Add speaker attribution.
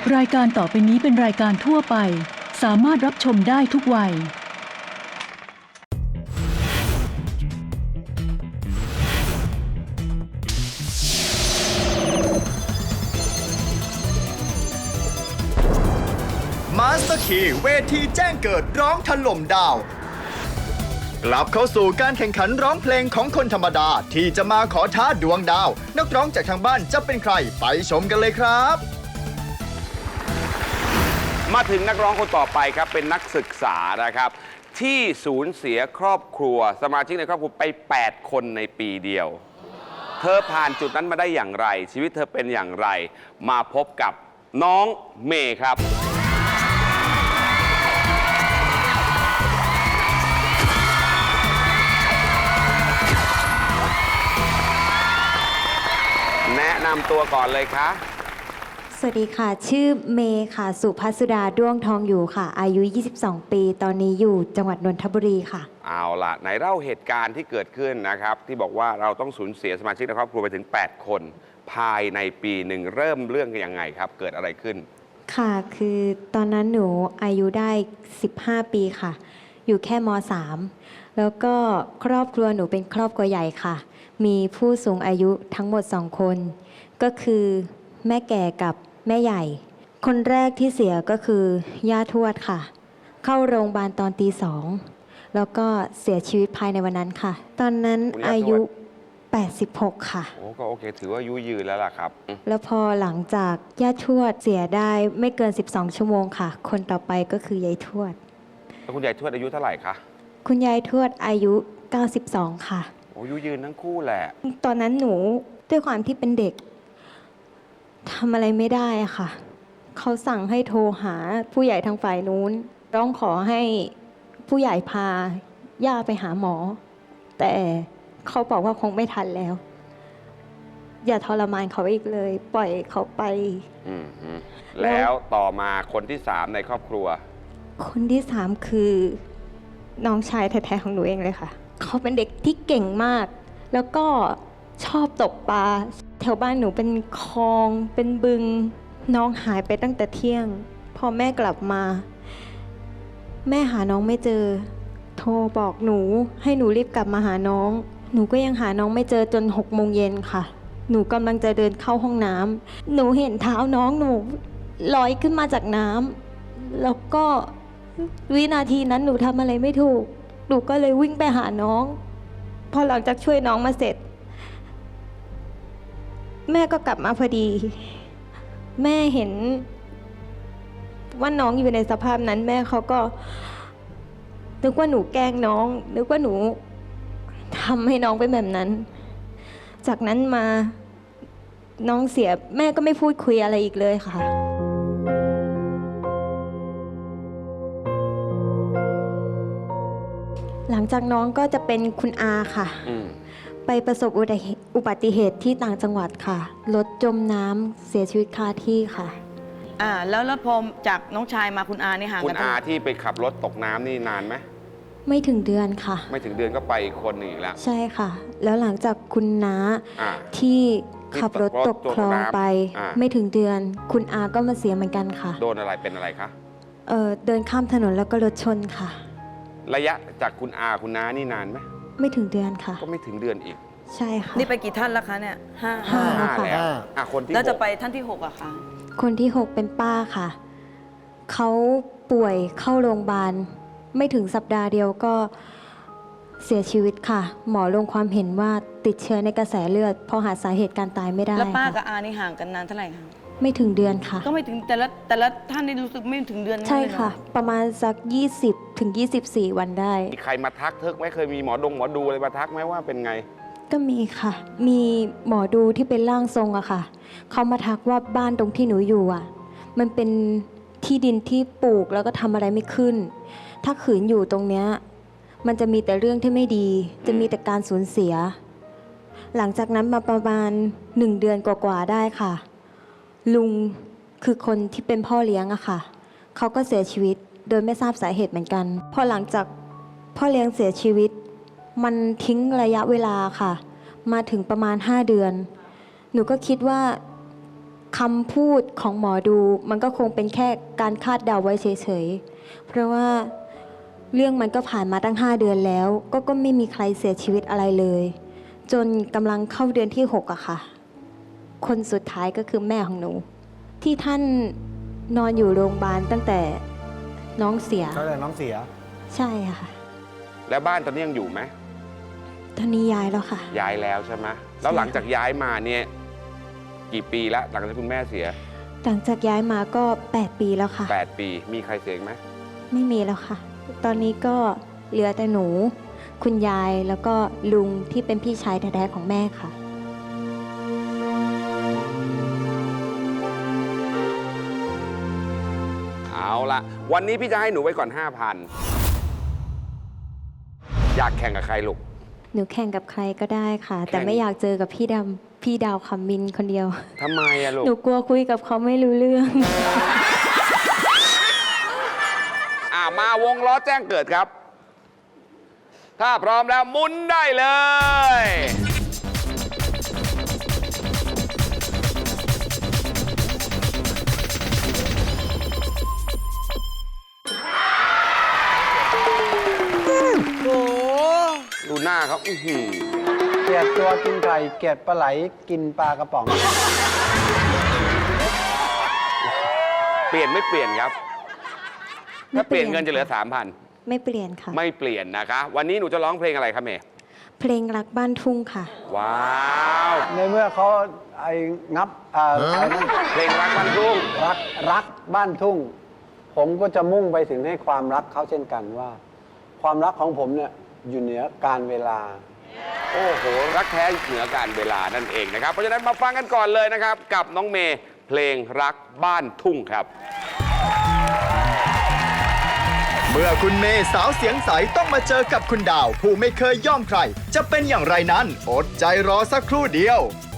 Speaker 1: รายการต่อไปนี้เป็นรายการทั่วไปสามารถรับชมได้ทุกวัย
Speaker 2: มาสเตอร์คีเวทีแจ้งเกิดร้องถล่มดาวกลับเข้าสู่การแข่งขันร้องเพลงของคนธรรมดาที่จะมาขอท้าดวงดาวนักร้องจากทางบ้านจะเป็นใครไปชมกันเลยครับ
Speaker 3: มาถึงนักร้องคนต่อไปครับเป็นนักศึกษานะครับที่สูญเสียครอบครัวสมาชิกในครอบครัวไป8 คนในปีเดียวเธอผ่านจุดนั้นมาได้อย่างไรชีวิตเธอเป็นอย่างไรมาพบกับน้องเมย์ครับแนะนำตัวก่อนเลยค่ะ
Speaker 4: สวัสดีค่ะชื่อเมย์ค่ะสุภัสสุดาด้วงทองอยู่ค่ะอายุ22 ปีตอนนี้อยู่จังหวัดนนทบุรีค่ะ
Speaker 3: เอาล่ะไหนเล่าเหตุการณ์ที่เกิดขึ้นนะครับที่บอกว่าเราต้องสูญเสียสมาชิกในครอบครัวไปถึง8 คนภายในปีหนึ่งเริ่มเรื่องกันยังไงครับเกิดอะไรขึ้น
Speaker 4: ค่ะคือตอนนั้นหนูอายุได้15 ปีค่ะอยู่แค่ม.3 แล้วก็ครอบครัวหนูเป็นครอบครัวใหญ่ค่ะมีผู้สูงอายุทั้งหมด2 คนก็คือแม่แก่กับแม่ใหญ่คนแรกที่เสียก็คือย่าทวดค่ะเข้าโรงพยาบาลตอนตี 2แล้วก็เสียชีวิตภายในวันนั้นค่ะตอนนั้นอายุ86ค่ะ
Speaker 3: โอ้ก็โอเคถือว่าอายุยืนแล้วล่ะครับ
Speaker 4: แล้วพอหลังจากย่าทวดเสียได้ไม่เกิน12 ชั่วโมงค่ะคนต่อไปก็คือยายทวด
Speaker 3: แล้วคุณยายทวดอายุเท่าไหร่คะ
Speaker 4: คุณยายทวดอายุ92ค่ะ
Speaker 3: โอ้อายุยืนทั้งคู่แหละ
Speaker 4: ตอนนั้นหนูด้วยความที่เป็นเด็กทำอะไรไม่ได้อะค่ะเขาสั่งให้โทรหาผู้ใหญ่ทางฝ่ายนู้นร้องขอให้ผู้ใหญ่พาย่าไปหาหมอแต่เขาบอกว่าคงไม่ทันแล้วอย่าทรมานเขาอีกเลยปล่อยเขาไป
Speaker 3: แล้วต่อมาคนที่3ในครอบครัว
Speaker 4: คนที่3คือน้องชายแท้ๆของหนูเองเลยค่ะเขาเป็นเด็กที่เก่งมากแล้วก็ชอบตกปลาแถวบ้านหนูเป็นคลองเป็นบึงน้องหายไปตั้งแต่เที่ยงพอแม่กลับมาแม่หาน้องไม่เจอโทรบอกหนูให้หนูรีบกลับมาหาน้องหนูก็ยังหาน้องไม่เจอจน6 โมงเย็นค่ะหนูกำลังจะเดินเข้าห้องน้ำหนูเห็นเท้าน้องหนูลอยขึ้นมาจากน้ำแล้วก็วินาทีนั้นหนูทำอะไรไม่ถูกหนูก็เลยวิ่งไปหาน้องพอหลังจากช่วยน้องมาเสร็จแม่ก็กลับมาพอดีแม่เห็นว่าน้องอยู่ในสภาพนั้นแม่เขาก็นึกว่าหนูแกล้งน้องนึกว่าหนูทำให้น้องเป็นแบบนั้นจากนั้นมาน้องเสียแม่ก็ไม่พูดคุยอะไรอีกเลยค่ะหลังจากน้องก็จะเป็นคุณอาค่ะไปประสบอุบัติเหตุที่ต่างจังหวัดค่ะรถจมน้ำเสียชีวิตคาที่ค่ะ
Speaker 5: แล้วพอจากน้องชายมาคุณอานี่ห่างกัน
Speaker 3: คุณอาที่ไปขับรถตกน้ำนี่นานไหม
Speaker 4: ไม่ถึงเดือนค่ะ
Speaker 3: ไม่ถึงเดือนก็ไปอีกคนหนึ่งอีกแล้ว
Speaker 4: ใช่ค่ะแล้วหลังจากคุณน้าที่ขับรถตกคลองไปไม่ถึงเดือนคุณอาก็มาเสียเหมือนกันค่ะ
Speaker 3: โดนอะไรเป็นอะไรคะ
Speaker 4: เดินข้ามถนนแล้วก็รถชนค่ะ
Speaker 3: ระยะจากคุณอาคุณน้านี่นานไหม
Speaker 4: ไม่ถึงเดือนค่ะ
Speaker 3: ก็ไม่ถึงเดือนอีก
Speaker 4: ใช่ค่ะ
Speaker 5: นี่ไปกี่ท่านแล้วคะเนี่ย
Speaker 3: ห้าแล้วคนที่
Speaker 5: แล้วจะไปท่านที่6อะคะ
Speaker 4: คนที่6เป็นป้าค่ะเขาป่วยเข้าโรงพยาบาลไม่ถึงสัปดาห์เดียวก็เสียชีวิตค่ะหมอลงความเห็นว่าติดเชื้อในกระแสเลือดพอหาสาเหตุการตายไม่ได้
Speaker 5: แล้วป้ากับอานี่ห่างกันนานเท่าไหร่คะ
Speaker 4: ไม่ถึงเดือนค่ะ
Speaker 5: ก็ไม่ถึงแต่ละท่านนี่รู้สึกไม่ถึงเดือน
Speaker 4: ใช่ค่ะประมาณสัก20 ถึง 24 วันได้
Speaker 3: มีใครมาทักเธอไหมเคยมีหมอดูอะไรมาทักไหมว่าเป็นไง
Speaker 4: ก็มีค่ะมีหมอดูที่เป็นร่างทรงอะค่ะเขามาทักว่าบ้านตรงที่หนูอยู่อะมันเป็นที่ดินที่ปลูกแล้วก็ทำอะไรไม่ขึ้นถ้าขืนอยู่ตรงเนี้ยมันจะมีแต่เรื่องที่ไม่ดีจะมีแต่การสูญเสียหลังจากนั้นมาประมาณ1 เดือนกว่าๆได้ค่ะลุงคือคนที่เป็นพ่อเลี้ยงอะค่ะเขาก็เสียชีวิตโดยไม่ทราบสาเหตุเหมือนกันพอหลังจากพ่อเลี้ยงเสียชีวิตมันทิ้งระยะเวลาค่ะมาถึงประมาณ5 เดือนหนูก็คิดว่าคำพูดของหมอดูมันก็คงเป็นแค่การคาดเดาไว้เฉยๆ เพราะว่าเรื่องมันก็ผ่านมาตั้ง 5 เดือนแล้ว ก็ไม่มีใครเสียชีวิตอะไรเลย จนกำลังเข้าเดือนที่ 6อะค่ะ คนสุดท้ายก็คือแม่ของหนู ที่ท่านนอนอยู่โรงพยาบาลตั้งแต่น้องเสีย
Speaker 6: ตั้งแต่น้องเสีย
Speaker 4: ใช่ค่ะ
Speaker 3: แล้วบ้านตอนนี้ยังอยู่ไหม
Speaker 4: ตอนนี้ย้ายแล้วค่ะ
Speaker 3: ย้ายแล้วใช่ไหมแล้วหลังจากย้ายมาเนี่ยกี่ปีแล้วหลังจากคุณแม่เสีย
Speaker 4: หลังจากย้ายมาก็ 8 ปีแล้วค่ะ
Speaker 3: 8 ปีมีใครเสียอีกไหม
Speaker 4: ไม่มีแล้วค่ะ ตอนนี้ก็เหลือแต่หนู คุณยายแล้วก็ลุงที่เป็นพี่ชายแท้ๆของแม่ค่ะ
Speaker 3: เอาละวันนี้พี่จะให้หนูไว้ก่อน 5,000 อยากแข่งกับใครลูก
Speaker 4: หนูแข่งกับใครก็ได้ค่ะ
Speaker 3: แข่ง
Speaker 4: แต่ไม่อยากเจอกับพี่ดาวคำมินคนเดียว
Speaker 3: ทำไมอะลูก
Speaker 4: หนูกลัวคุยกับเขาไม่รู้เรื่อง
Speaker 3: มาวงล้อแจ้งเกิดครับ ถ้าพร้อมแล้วหมุนได้เลยดูหน้าเขาอื้อหือ
Speaker 6: เกลียดตัวกินไก่เกลียดปลาไหลกินปลากระป๋อง
Speaker 3: เปลี่ยนไม่เปลี่ยนครับ
Speaker 4: ไม่
Speaker 3: ถ้าเปลี่ยน
Speaker 4: เปลี่ยน
Speaker 3: เงินจะเหลือ
Speaker 4: ไม่เปลี่ยนค่ะ
Speaker 3: 3,000 ไม่เปลี่ยนนะคะ วันนี้หนูจะร้องเพลงอะไรครับเมย์
Speaker 4: เพลงรักบ้านทุ่งค่ะ
Speaker 3: ว้าว
Speaker 6: ในเมื่อเขาไอ้งับไอ้นั่น
Speaker 3: เพลงรักมันรุ่ง
Speaker 6: รักบ้านทุ่ง ผมก็จะมุ่งไปถึงให้ความรักเขาเช่นกันว่า ความรักของผมเนี่ยอยู่เหนือการเวลา
Speaker 3: โอ้โห รักแท้เหนือการเวลานั่นเองนะครับ เพราะฉะนั้นมาฟังกันก่อนเลยนะครับ กับน้องเมย์เพลงรักบ้านทุ่งครับ
Speaker 2: เมื่อคุณเมย์สาวเสียงใสต้องมาเจอกับคุณดาว ผู้ไม่เคยย่อมใคร จะเป็นอย่างไรนั้นอดใจรอสักครู่เดียว